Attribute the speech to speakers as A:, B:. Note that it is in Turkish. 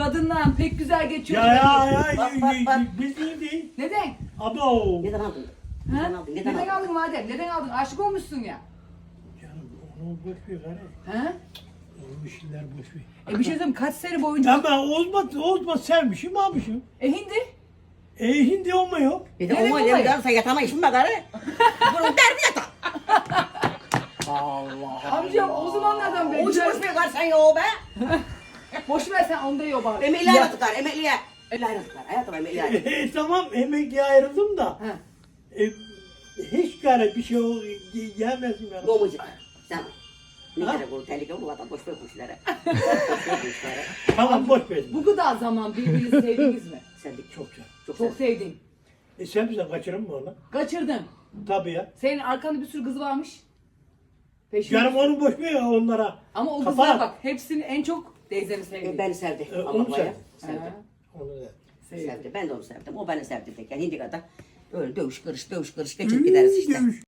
A: kadınla pek güzel geçiyor.
B: Biz değil.
A: Neden?
B: Abo.
C: Neden aldın?
A: Ha?
C: Neden
A: Neden aldın madem? Neden aldın? Aşık olmuşsun ya.
B: Canım onu boş ver gari.
A: Ha?
B: O işler boş ver.
A: Bir şey söyleyeyim, kaç sene boyunca...
B: Ama olmaz sevmişim almışım.
A: Hindi?
B: Hindi olmuyor.
C: Bir de
A: Neden
C: o
A: olay?
C: sen yatamayışın bak gari. Bunun derdi yata. Allah.
A: Amcam o zamanlardan beri...
C: Uç boş ver sen ya o be.
A: Boş ver sen onda yok bari.
C: Emekli ayrıldıklar emekliye. Emekli ayrıldıklar hayatım emekli ayrıldıklar.
B: Tamam emekliye ayrıldım da.
A: Ha.
B: Hiç gari bir şey yemezdim yani.
C: Gomucu. Sen. Ne
B: Ha?
C: gerek olur tehlike olur vatan boş ver bu işlere. Boş ver bu işlere.
B: Tamam boş ver.
A: Bu kadar zaman birbirinizi sevdiniz mi?
C: Sevdik
B: Çok güzel.
C: çok
A: Çok
C: sevdik.
A: sevdin.
B: Sen bize kaçırır mı onu?
A: Kaçırdın.
B: Tabii ya.
A: Senin arkanda bir sürü kız varmış. Peşinde.
B: Canım onu boş ver ya onlara.
A: Ama o
B: Kafa
A: kızlara
B: at.
A: bak. Hepsini en çok teyzeni sevdi.
C: Beni sevdi.
B: Onu
C: Allah
B: sev.
C: baya. Sevdi.
A: Ha,
B: Onu da.
A: sevdi.
C: Sevdi. Ben de onu sevdim. O beni sevdi tek. Yani hindi kadar öyle dövüş kırış geçip gideriz işte.
B: Dövüş.